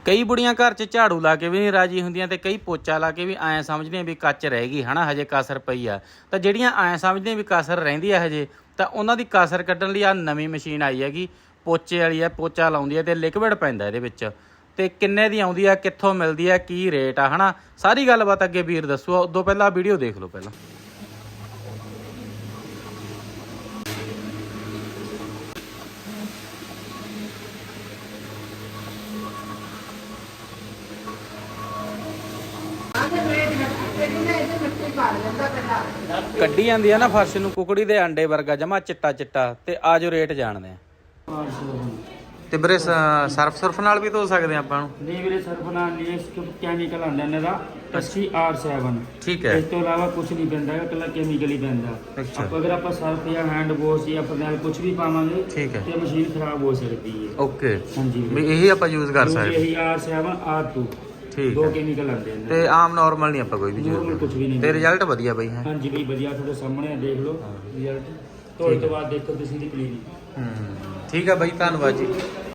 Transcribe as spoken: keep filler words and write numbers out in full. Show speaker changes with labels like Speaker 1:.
Speaker 1: ਕਈ ਬੁੜੀਆਂ ਘਰ 'ਚ ਝਾੜੂ ਲਾ ਕੇ ਵੀ ਨਹੀਂ ਰਾਜੀ ਹੁੰਦੀਆਂ ਤੇ ਕਈ ਪੋਚਾ ਲਾ ਕੇ ਵੀ ਐਂ ਸਮਝਦੀਆਂ ਵੀ ਕੱਚ ਰਹਿ ਗਈ ਹਨਾ, ਹਜੇ ਕਸਰ ਪਈ ਆ। ਤਾਂ ਜਿਹੜੀਆਂ ਐਂ ਸਮਝਦੀਆਂ ਵੀ ਕਸਰ ਰਹਿੰਦੀ ਆ ਹਜੇ, ਤਾਂ ਉਹਨਾਂ ਦੀ ਕਸਰ ਕੱਢਣ ਲਈ ਆ ਨਵੀਂ ਮਸ਼ੀਨ ਆਈ ਹੈਗੀ, ਪੋਚੇ ਵਾਲੀ ਆ। ਪੋਚਾ ਲਾਉਂਦੀ ਹੈ ਤੇ ਲਿਕਵਿਡ ਪੈਂਦਾ ਇਹਦੇ ਵਿੱਚ। ਤੇ ਕਿੰਨੇ ਦੀ ਆਉਂਦੀ ਆ, ਕਿੱਥੋਂ ਮਿਲਦੀ ਆ, ਕੀ ਰੇਟ ਆ ਹਨਾ, ਸਾਰੀ ਗੱਲਬਾਤ ਅੱਗੇ ਵੀਰ ਦੱਸੋ। ਉਦੋਂ ਪਹਿਲਾਂ ਵੀਡੀਓ ਦੇਖ ਲਓ ਪਹਿਲਾਂ। ਕੱਢੀ ਜਾਂਦੀ ਆ ਨਾ ਫਰਸ਼ ਨੂੰ ਕੁਕੜੀ ਦੇ ਆਂਡੇ ਵਰਗਾ ਜਮਾ ਚਿੱਟਾ ਚਿੱਟਾ। ਤੇ ਆਜੋ ਰੇਟ ਜਾਣਦੇ ਆ। ਤੇ ਵੀਰੇ ਸਰਫ ਸੁਰਫ ਨਾਲ ਵੀ ਧੋ ਸਕਦੇ ਆ ਆਪਾਂ ਨੂੰ?
Speaker 2: ਨਹੀਂ ਵੀਰੇ ਸਰਫ ਨਾਲ ਨਹੀਂ, ਇਸ ਤੋਂ ਕੈਮੀਕਲ ਆਉਂਦਾ ਇਹਨਾਂ ਦਾ ਅੱਸੀ ਆਰ ਸੈਵਨ।
Speaker 1: ਠੀਕ ਹੈ।
Speaker 2: ਇਸ ਤੋਂ ਇਲਾਵਾ ਕੁਝ ਨਹੀਂ ਪੈਂਦਾ ਹੈਗਾ, ਇਕੱਲਾ ਕੈਮੀਕਲ ਹੀ ਪੈਂਦਾ। ਆਪਾਂ ਅਗਰ ਆਪਾਂ ਸਰਫ ਜਾਂ ਹੈਂਡ ਵਾਸ਼ ਜਾਂ ਫਰਨੈਲ ਕੁਝ ਵੀ ਪਾਵਾਂਗੇ
Speaker 1: ਠੀਕ ਹੈ,
Speaker 2: ਤੇ ਮਸ਼ੀਨ ਖਰਾਬ ਹੋ ਸਕਦੀ ਹੈ।
Speaker 1: ਓਕੇ
Speaker 2: ਹਾਂਜੀ
Speaker 1: ਵੀ ਇਹੀ ਆਪਾਂ ਯੂਜ਼ ਕਰ ਸਕਦੇ?
Speaker 2: ਇਹੀ ਆਰ ਸੈਵਨ ਆਰ ਟੂ,
Speaker 1: ਠੀਕ
Speaker 2: ਦੋ
Speaker 1: ਹੈ।
Speaker 2: ਕੈਮੀਕਲ ਆਉਂਦੇ ਨੇ
Speaker 1: ਤੇ ਆਮ ਨਾਰਮਲ ਨਹੀਂ ਆਪਾਂ ਕੋਈ ਵੀ
Speaker 2: ਨਾਰਮਲ
Speaker 1: ਯੂਜ਼
Speaker 2: ਕੁਝ ਵੀ ਨਹੀਂ।
Speaker 1: ਤੇ ਰਿਜ਼ਲਟ ਵਧੀਆ ਬਈ ਹੈ?
Speaker 2: ਹਾਂਜੀ ਬਈ ਵਧੀਆ, ਤੁਹਾਡੇ ਸਾਹਮਣੇ ਦੇਖ ਲਓ ਰਿਜ਼ਲਟ। ਧੋਣ ਤੋਂ ਬਾਅਦ ਦੇਖੋ ਤੁਸੀਂ ਦੀ ਕਲੀਨਿੰਗ।
Speaker 1: ਹੂੰ ਠੀਕ ਆ ਬਾਈ, ਧੰਨਵਾਦ ਜੀ।